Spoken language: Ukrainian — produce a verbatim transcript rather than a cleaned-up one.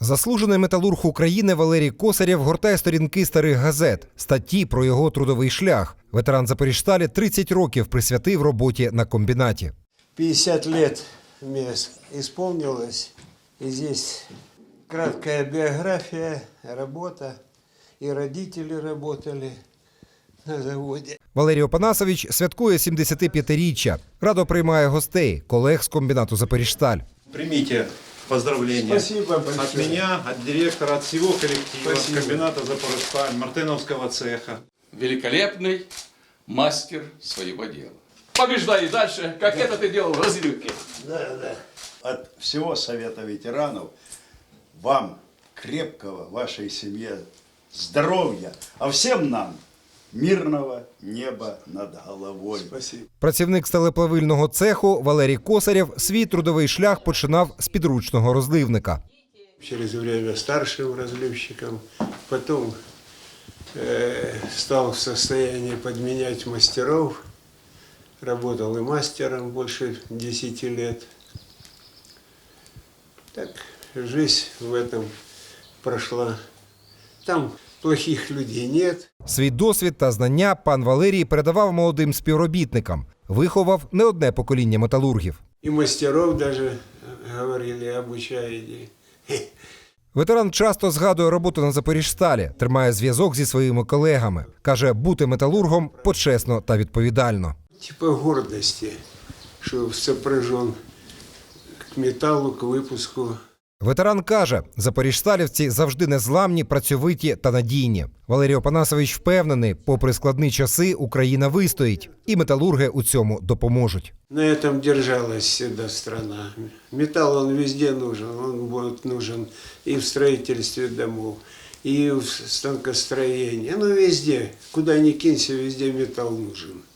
Заслужений металург України Валерій Косарєв гортає сторінки старих газет, статті про його трудовий шлях. Ветеран Запоріжсталі тридцять років присвятив роботі на комбінаті. пятьдесят лет мне исполнилось, и здесь краткая биография, работа, и родители работали на заводе. Валерій Опанасович святкує сімдесятип'ятиріччя. Радо приймає гостей, колег з комбінату «Запоріжсталь». Примите поздравления от меня, от директора, от всего коллектива, от комбината «Запорожсталь», Мартыновского цеха. Великолепный мастер своего дела. Побеждай и дальше, как это ты делал в Разлюке. Да, да. От всего Совета ветеранов вам крепкого, вашей семье здоровья, а всем нам мирного неба над головой. Спасибо. Працівник сталеплавильного цеху Валерій Косарєв свій трудовий шлях починав з підручного розливника. Через время старшим разливщиком, потом э, стал в состоянии подменять мастеров, работал и мастером больше десяти лет. Так, жизнь в этом прошла. Там плохих людей нет. Свій досвід та знання пан Валерій передавав молодим співробітникам. Виховав не одне покоління металургів. И мастеров даже, говорили, обучаете. Ветеран часто згадує роботу на Запоріжсталі, тримає зв'язок зі своїми колегами. Каже, бути металургом почесно та відповідально. Типа гордости, что сопряжен к металлу, к выпуску. Ветеран каже, запоріжсталівці завжди незламні, працьовиті та надійні. Валерій Опанасович впевнений, попри складні часи, Україна вистоїть. І металурги у цьому допоможуть. На этом держалась всегда страна. Металл, он везде нужен. Он будет нужен и в строительстве домов, и в станкостроении. Ну, везде. Куда ни кинься, везде металл нужен.